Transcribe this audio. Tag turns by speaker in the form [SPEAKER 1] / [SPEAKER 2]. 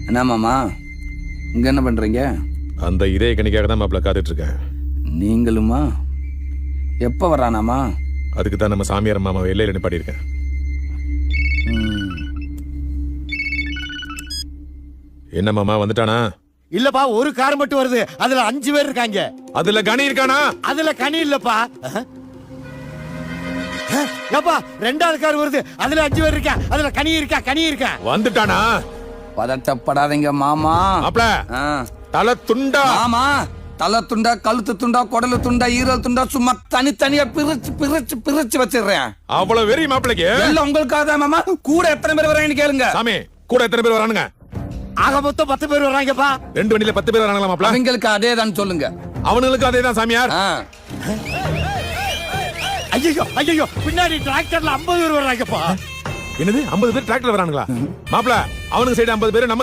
[SPEAKER 1] என்ன மாமா இங்க என்ன பண்றீங்க?
[SPEAKER 2] அந்த இதய கணிக்காக தான் மாப்பிள்ள காத்துட்டு இருக்கேன்.
[SPEAKER 1] நீங்களுமா? எப்ப வரானாமா?
[SPEAKER 2] அதுக்கு தான் நம்ம சாமியார் மாமா எல்லையில நிப்பாடி இருக்கேன். என்ன மாமா வந்துட்டானா?
[SPEAKER 3] இல்லப்பா, ஒரு கார் மட்டும் வருது. அதுல 5 பேர் இருக்காங்க.
[SPEAKER 2] அதுல கனி இருக்கானா?
[SPEAKER 3] அதுல கனி இல்லப்பா. ஏப்பா, 2வது கார் வருது. அதுல 5 பேர் இருக்கா. அதுல கனி இருக்கா.
[SPEAKER 2] வந்துட்டானா?
[SPEAKER 1] பதட்டப்படாதீங்க மாமா.
[SPEAKER 2] மாப்பிள்ள தலை துண்டா?
[SPEAKER 1] மாமா தலை துண்டா, கழுத்து துண்டா, குடலு துண்டா, ஈரல் துண்டா, சும்மா தனித்தனியா பிரிச்சு வச்சிடுறேன்.
[SPEAKER 2] அவ்வளவு வெறி மாப்பிளைக்கு?
[SPEAKER 1] எல்லாம் உங்களுக்காக தான் மாமா. கூட எத்தனை பேர் வராங்கன்னு கேளுங்க.
[SPEAKER 2] சாமி, கூட எத்தனை பேர் வரானுங்க?
[SPEAKER 3] ஆக மொத்தம் 10 பேர் வராங்கப்பா.
[SPEAKER 2] 2 வண்டியில 10 பேர் வராங்களா மாப்பிள்ள?
[SPEAKER 1] அவங்களுக்கு அதே தான் சொல்லுங்க.
[SPEAKER 2] அவனுங்களுக்கு அதே தான் சாமியார்.
[SPEAKER 3] ஐயோ, பின்னாடி டிராக்டர்ல 50 பேர் வராங்கப்பா.
[SPEAKER 2] என்னது 50 பேர் டிராக்டர்ல வரானுங்களா? மாப்பிள்ள அவனுக்கு சைடு 50 பேர், நம்ம